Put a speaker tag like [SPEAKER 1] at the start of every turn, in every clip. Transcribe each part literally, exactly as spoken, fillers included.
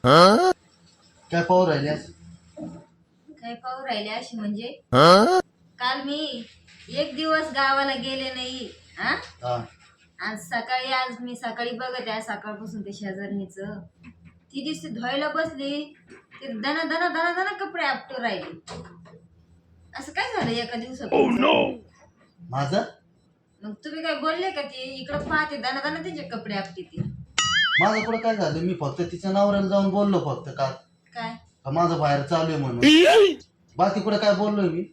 [SPEAKER 1] काय पाहू राहिले
[SPEAKER 2] काय पाहू राहिले अशी म्हणजे काल मी एक दिवस गावाला गेले नाही हा
[SPEAKER 1] हा
[SPEAKER 2] आज सकाळी आज मी सकाळी बघत आहे सकाळपासून ते शेजारणीच ती दिवशी धुवायला बसली ते दना दना दना दना कपडे आपटू राहिले असं काय झालं एका दिवसात
[SPEAKER 1] माझं
[SPEAKER 2] मग तुम्ही काय बोलले का ती इकडं पाहते दना दना तिचे कपडे आपटे ती
[SPEAKER 1] माझं पुढे काय झालं मी फक्त तिच्या नवऱ्याला जाऊन बोललो फक्त काल
[SPEAKER 2] काय
[SPEAKER 1] का माझं बाहेर चालू आहे म्हणून बाकी कुठे काय बोललोय मी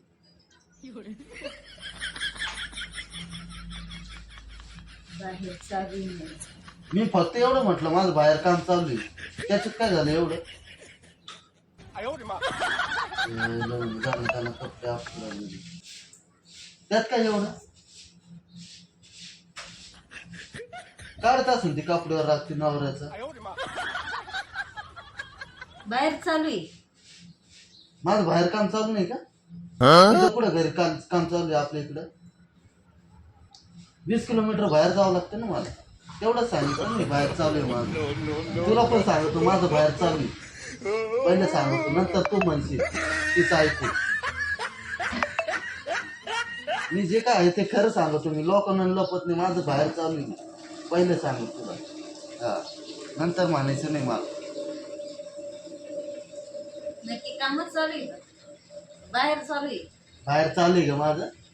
[SPEAKER 2] बाहेर चालू नाही.
[SPEAKER 1] मी फक्त एवढं म्हटलं माझं बाहेर काम चालू आहे त्याच्यात काय झालं एवढं ए, लावून जाणं त्यानं कपडे आपटू राहिले. त्यात काय एवढं काढत असेल ती कपड्यावर रात्री नवऱ्याचं
[SPEAKER 2] बाहेर चालू आहे
[SPEAKER 1] माझं बाहेर काम चालू नाही का तुझं कुठं घरी काम काम चालू आहे आपल्या इकडं वीस किलोमीटर बाहेर जावं लागतं ना मला तेवढंच सांगितलं ना मी बाहेर चालू आहे माझं तुला पण सांगतो माझं बाहेर चालू आहे पहिले सांगतो नंतर तू म्हणशील तिचं ऐकू मी जे काय आहे ते खरं सांगतो मी लोकांना लपत नाही माझं बाहेर चालू आहे पहिले सांगतो तुला हा नंतर म्हणायचं नाही मला
[SPEAKER 2] नक्की कामच चालू आहे का बाहेर चालू आहे
[SPEAKER 1] बाहेर चालू आहे का माझं